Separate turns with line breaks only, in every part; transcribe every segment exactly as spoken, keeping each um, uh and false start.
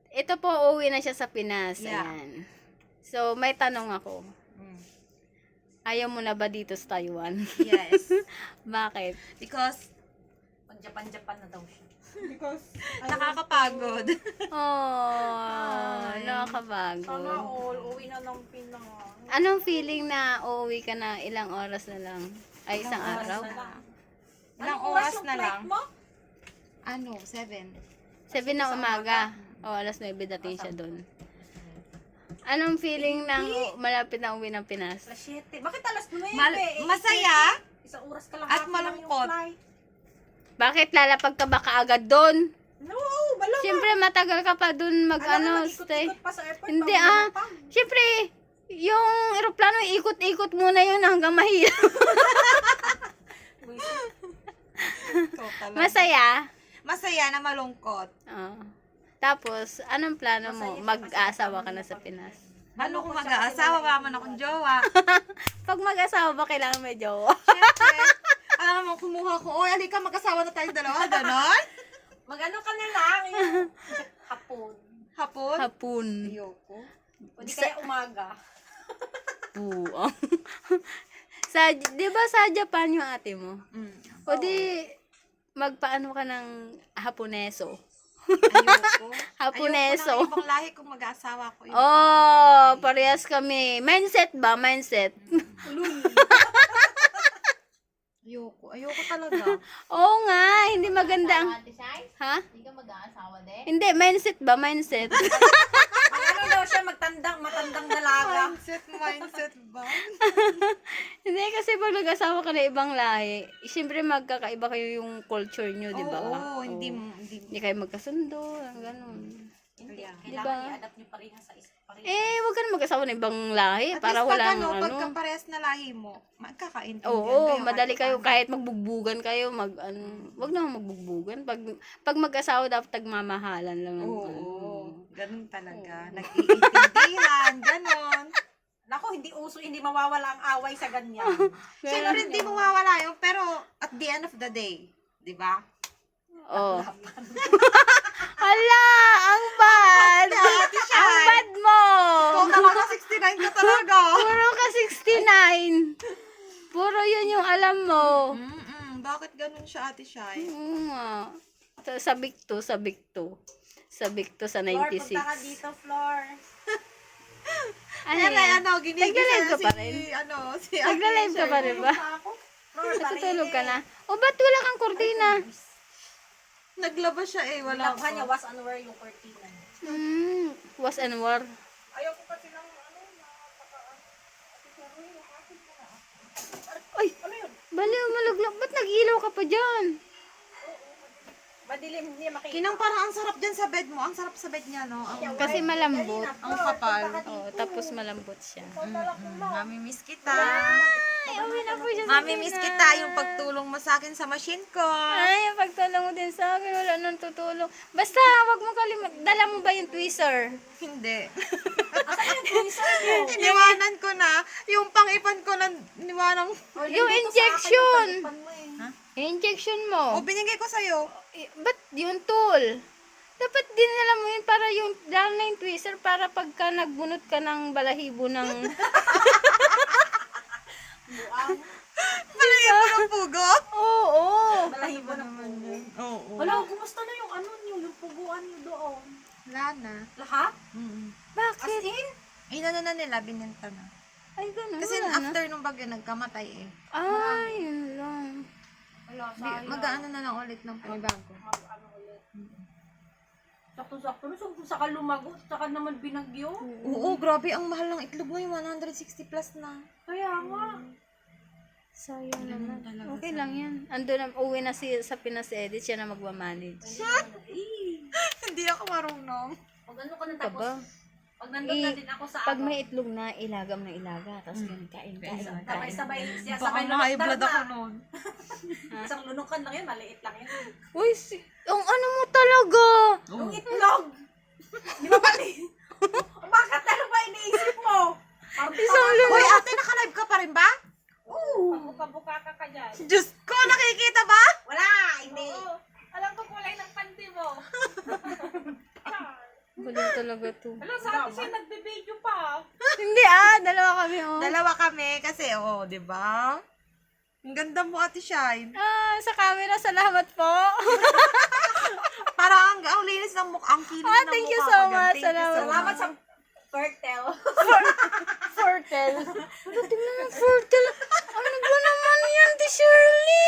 ito po, uuwi na siya sa Pinas.
Yeah.
Ayan. So, may tanong ako.
Mm.
Ayaw mo na ba dito sa Taiwan?
Yes.
Bakit?
Because,
Pag-Japan-Japan na daw siya.
Because,
nakakapagod.
Oh,
Ay.
nakakapagod.
sana all, uwi na ng Pinas.
Anong feeling na uuwi ka na ilang oras na lang? Ay, isang
Ilang oras
araw?
na lang.
Anong
Ilang
oras
oras
yung
na
flight
lang?
mo?
Ano, seven.
Seven na umaga. O, alas nuebe dating siya doon. Anong feeling ng u- malapit na uwi ng Pinas?
Alas siyete. Bakit alas nuwebe?
Mal-
Eh,
masaya
Isang oras ka lang.
at
happy lang yung
malungkot.
flight.
Bakit lalapag ka ba kaagad doon?
No, malamang.
Siyempre, matagal ka pa doon mag, ano, stay.
Ikot-ikot pa sa airport.
Hindi,
bago
ah.
lumapag.
Siyempre, yung eroplano, ikot-ikot muna yun hanggang mahirap.
Ikaw talaga.
Masaya.
Masaya na malungkot.
Oh. Tapos, anong plano mo?
Masaya siya
Mag-asawa
kasi
ka na sa
kasama
Pinas.
Ano kung mag-aasawa, wala man akong jowa.
Pag mag-asawa ba, kailangan may jowa?
Siyempre, alam mo, kumuha ko, oy, halika, mag-asawa na tayong dalawa, ganon?
Mag-ano ka na lang. Yung hapon.
Hapon?
Hapon.
Ayoko.
O di kaya umaga.
Buang. sa, di ba sa Japan yung ate mo?
Mm.
O di, magpaano ka ng Haponeso?
Ayoko.
Haponeso.
Ayoko ng ibang lahi kung mag-aasawa ko. Yun.
Oh, parehas kami. Mindset ba? Mindset.
Ayoko. Ayoko talaga.
Oo nga, hindi maganda ang...
Ate Shai?
Ha?
Hindi ka mag-aasawa din?
Hindi, mindset ba? Mindset.
Ang ano daw siya, magtandang, matandang dalaga.
Mindset, mindset ba?
Hindi, kasi pag nag-asawa ka na ibang lahi, siyempre magkakaiba kayo yung culture nyo, di ba?
Oo, hindi,
Oo.
hindi.
Hindi kayo magkasundo, ang ganun.
Hindi,
Kaya.
kailangan
Diba?
i-adapt niyo parehas sa isa. Parehas.
Eh, wag ka na mag-asawa ng ibang lahi
At
para
least
wala
pag
ano.
ano,
ano.
pagka parehas na lahi mo, magkakaintindihan
Oo,
kayo.
madali kayo
paano.
kahit magbugbugan kayo, mag ano, wag naman magbugbugan. Pag pag mag-asawa dapat tagmamahalan lang ang
Oo,
ano.
ganun talaga. Nag-iintindihan, ganon.
Nako, hindi uso, hindi mawawala ang away sa ganyan.
Siyempre, hindi mo mawala yun, pero at the end of the day, di ba?
Oh. Hala, ang bad.
Ate Shai.
Ang bad mo.
Kung naman ka sixty-nine ka talaga.
Puro ka sixty-nine. Puro yun yung alam mo.
Mm-mm, bakit ganun siya, Ate Shai?
Oo nga. So, sabik to, sabik to. Sabik to sa
Flor,
ninety-six.
punta ka dito, Flor.
Ano
Ayan na,
yan?
ano, ginigisa
Nagla-live ka
si,
pa rin?
ano, si
Nagla-live ka pa rin ba?
Pa ako. Flor,
Natutulog ka na? O, ba't wala kang kurtina?
Naglaba siya eh, wala
Wala niya,
pa.
was and wear yung cortina.
Hmm, was and war.
Ayaw ko kasi ng ano, nakakaan.
Ay, baliw, maluglag. Ba't nag-ilaw ka pa dyan?
Madilim, hindi niya makita.
Kinang parang ang sarap dyan sa bed mo. Ang sarap sa bed niya, no? Ang,
Kasi malambot.
ang kapal.
Oh, tapos malambot siya.
Mm-mm. Mami, miss kita.
Ay, uwi na po siya sa
Mami, miss
Pinas.
kita. Yung pagtulong mo sa akin sa machine ko.
Ay, yung pagtulong mo din sa akin, wala nang tutulong. Basta, wag mo kalimut. Dala mo ba yung tweezer?
Hindi.
Tweezer mo.
Iniwanan ko na. Yung pang-ipan ko na niwanang...
Yung injection.
Pan mo eh.
Yung injection
O,
mo.
binigay ko sa'yo.
Eh, ba't yung tool? Dapat dinala mo yun para yung, dahil na yung tweezer para pagka nagbunot ka ng balahibo ng...
Malagyan mo ng pugo?
Oo, oo.
Balahibo na po.
Oo.
Wala, kumusta na yung ano niyo, yung puguan niyo doon?
Wala na.
Lahat?
Mm.
As
Bakit?
in?
Inano na nila, binenta na.
Ay, ganun.
Kasi
wala na.
after nung bagyo, nagkamatay eh.
Ay, yun lang.
Wala,
Di,
sayang.
mag-ano na lang ulit ng panibago.
Ano ulit. Sakto-sakto na, kung saka lumagot, saka naman binagyo.
Oo, grabe. Ang mahal ng itlog ngayon. one hundred sixty plus na.
Kaya nga.
Sayang
Ganun
naman.
talaga
Okay
sa-
lang yan. Ando na, uwi na si, sa Pinas Edit, siya na magmamanage.
Eh,
Hindi ako marunong.
pag ano ka na
Ka
tapos,
ba?
pag nandun na
Eh,
din ako sa
Pag
ano,
may itlog na, ilagam na ilaga. Tapos mm. kain, kain, kain.
sabay-sabay, siya
Baka
sabay
ma-high
lunok
blood ako
na.
noon.
Isang lunukan lang yan, maliit lang yan.
Uy, si, ang ano mo talaga?
Yung itlog! Di ba pali? Bakit ano ba iniisip mo? Parang
Isang
tama-
lunok.
Uy, ate, naka-live ka pa rin ba?
Oo! Buka-buka ka ka dyan.
Diyos ko, nakikita ba?
Wala! Hindi!
Alam ko kulay ng panty mo.
Ba Baliw talaga to.
Alam, sa atin siya nagbe-video pa.
Hindi ah, dalawa kami oh.
Dalawa kami kasi, oh, di ba? Ang ganda mo, Ate Shine.
Ah, sa camera, salamat po.
Parang ang, ang linis ng mukha, ang kinis
Ah,
ng
thank
mukha
you
ko
so
dyan.
much.
Thank you so
Salamat.
Salamat sa
much.
Fertel.
Fertile. Ano, tingnan mo, fertile. Ano ba naman yan, di Shirley?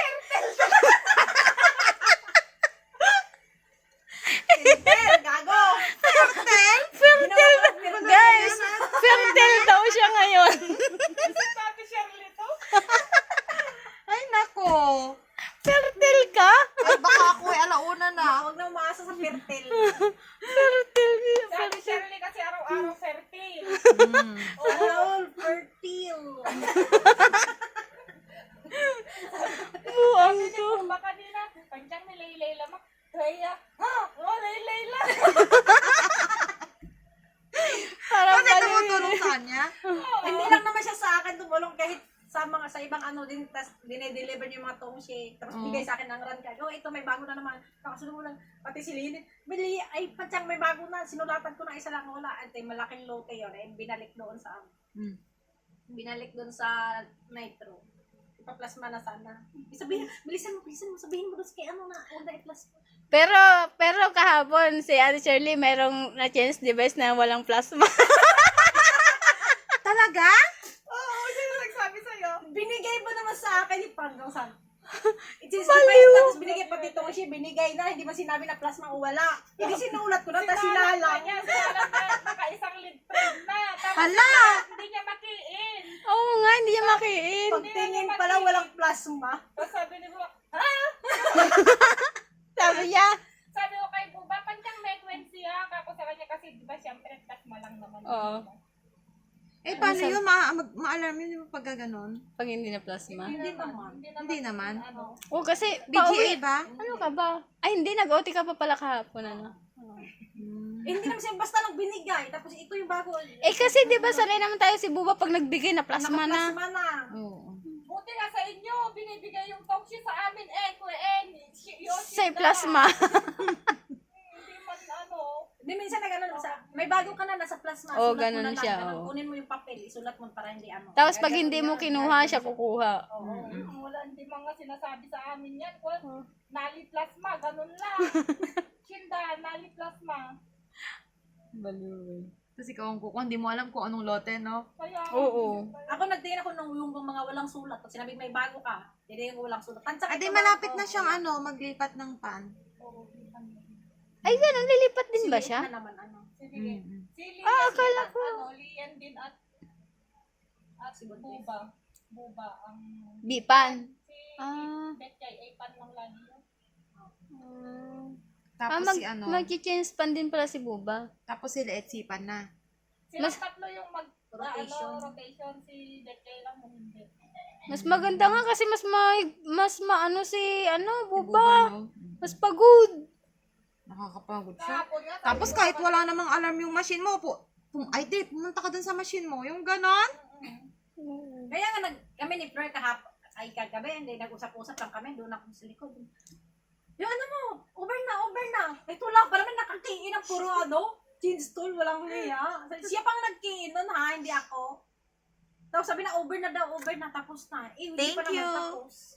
Fertel, gago.
Fertile?
Fertile. Guys, fertile daw siya ngayon.
Sabi Shirley to.
Ay, nako.
Fertile ka?
Ay, baka ako ay alauna na.
Huwag na umaasa sa Fertel.
Fertile.
Sabi Shirley kasi araw-araw fertile.
Oh, Fertil.
Buang
Sabi ni
to.
Pumba kanina, panjang ni Laylay lamang. Kaya, ha? Oh, Laylay lang.
Parang
Kasi
baliw.
tumutulong sa kanya.
Hindi lang naman siya sa akin tumulong kahit sa mga sa ibang ano din, tas dinedeliver niya yung mga tong shake, tapos bigay sa akin ng run card. Oh, ito may bago na naman. Kakasunod mo lang, pati si Lilith. Bili, ay, patsang may bago na. Sinulatan ko na isa lang wala. At malaking lote yun. Eh, binalik doon sa,
Hmm.
binalik doon sa Nitro. Ipaplasma na sana. Sabihin, bilisan mo, bilisan mo, sabihin mo doon kay ano na, huwag na i-plasma.
Pero, pero kahapon, si Ate Shirley, merong na-change device na walang plasma.
Talaga?
Oo, sino nagsabi sa'yo? Binigay mo naman sa akin yung panggang san. It's
Baliw.
tapos binigay pati ito siya, binigay na, hindi man sinabi na plasma o wala. Hindi sinulat ko na, tapos
Sinalang
sinalang.
pa niya, sinalang na naka-isang lead frame na. Tapos
Hala!
hindi niya makiin.
Oo nga, hindi niya makiin.
Pagtingin pala walang plasma.
Tapos sabi ni Buba, ha?
Sabi niya.
Sabi ko kay Buba, panjang may Wednesday ha. Kako sa kanya kasi, di ba, siyempre, plasma lang naman.
Oo.
Eh, paano yun? Ma mag ma-alarm yun yung pag gano'n?
Pag hindi na plasma.
Hindi naman.
Hindi naman.
Ano?
Oo, kasi
B G A
pauwi.
ba?
Ano ka ba? Ay, hindi. Nag-O T ka pa pala kahapon, ano?
Eh, hindi naman siya basta lang binigay. Tapos ito yung bago.
Eh, kasi di ba sanay naman tayo si Buba pag nagbigay na plasma na.
Plasma na.
Oo.
Buti nga sa inyo, binibigay yung toxi sa amin, eh, kung eh, yun,
Sa plasma.
Hindi man ano.
Di minsan na gano'n, sa, may bago ka na nasa plasma.
Oo,
sulat mo
ganun
na lang,
siya,
ganun.
oo.
Kunin mo yung papel, isulat mo para hindi ano.
Tapos pag
Gagawin
hindi mo
yan,
kinuha,
gagawin
siya kukuha.
Oo, wala, hindi mga sinasabi sa amin yan. Kung nali plasma, ganun lang. Chinda, nali plasma.
Baliw.
Tapos ikaw ang kuko, hindi mo alam kung anong lote, no?
Kaya,
Oo.
Ako nagtingin ako nung yung mga walang sulat. Pag sinabi may bago ka, hindi yung walang sulat. Tansak
Ate,
ito,
malapit
bago.
na siyang ano, maglipat ng pan.
Ay, ganun. Lilipat din ba siya?
Silihan naman, ano.
sige.
Mm-mm.
Si Lian,
Ah, akala ko.
Ano, Lian din at at si Buba. Buba ang
Bipan.
si
Ah.
Betchay ay pan lang lagi yun.
Ah,
Tapos
mag,
si ano,
mag-change pan din pala si Buba.
tapos si Leetsipan na.
Silang
Mas-
tatlo yung mag
Rotation.
Ano, rotation si Betchay lang mo hindi.
Mas maganda nga kasi mas ma, mas maano si ano,
Buba,
Buba.
no?
Mas pagod.
Nakakapagod siya.
Kahapon nga, sabi
Tapos
ko,
kahit wala namang alarm yung machine mo, po, pum, ay di, pumunta ka dun sa machine mo, yung ganon.
Kaya nga nag, kami ni Fleur kahap, ay kagabi, hindi, nag-usap-usap lang kami, doon ako sa likod. Yung ano mo, over na, over na. Ito lang, parang nakakiin ang puro ano, jeans tool, walang niya. Siya pang nagkiin nun ha, hindi ako. Tapos sabi na, over na daw, over na, tapos na. Eh, hindi
Thank
pa naman
you.
tapos.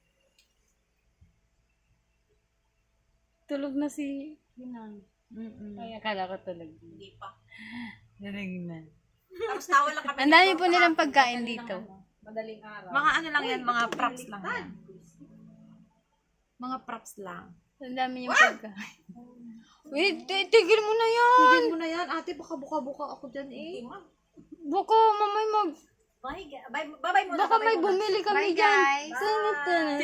Tulog na si Hinang.
Mm-mm.
Ay, akala ko tulog.
Hindi pa.
Tulog na.
Tapos tawa lang kami.
Ang dami
ni
po
Fleur
nilang
kahapon,
pagkain
madaling
dito.
ano, Madaling araw.
Mga ano lang yan,
Uy,
mga
ito,
props lang
baliktad.
yan. Mga props lang.
Ang dami yung pagkain. Wait, ti- tigil mo na yan.
Tigil mo na yan, ate, baka buka-buka ako dyan eh.
Hindi, ma'am.
Baka mamay mag...
Bye, ga- bye, bye-bye muna.
Baka
bye-bye
may
muna.
bumili kami
Bye,
dyan.
guys.
Tangan-tangan.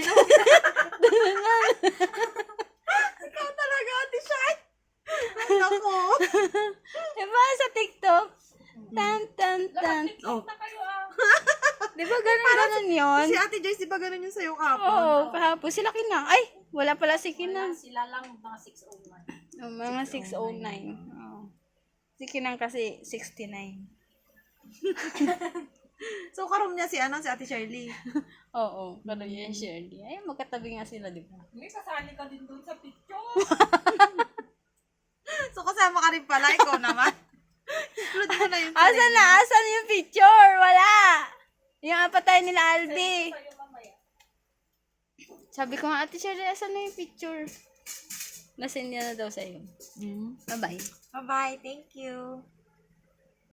Ikaw talaga, ate Shai. Ako.
Diba sa TikTok? Tan, tan, tan.
Oh.
na kayo ah.
Di ba ganun, ganun yun?
Si ate Joyce, di ba ganun yung sayo kapon?
Oo, kahapon. Sila Kinang. Ay, wala pala si Kinang.
Sila lang mga six oh one.
Oh, mga six oh nine. Oh. Si Kinang kasi sixty-nine.
So, karoon niya si ano, si ate Shirley.
Oo, pero yan Shirley. Ay, magkatabi nga sila, di ba?
Hindi, kasali ka din doon sa picture.
So, kasama ka rin pala. Ikaw naman. Upload mo na yung
Asan na? Asan yung picture? Wala! Yung apatay nila Albi. Sabi ko nga, Ate Sherry, asan na yung picture? Nasend niya na daw sa'yo. Mm. Bye-bye.
Bye-bye. Thank you.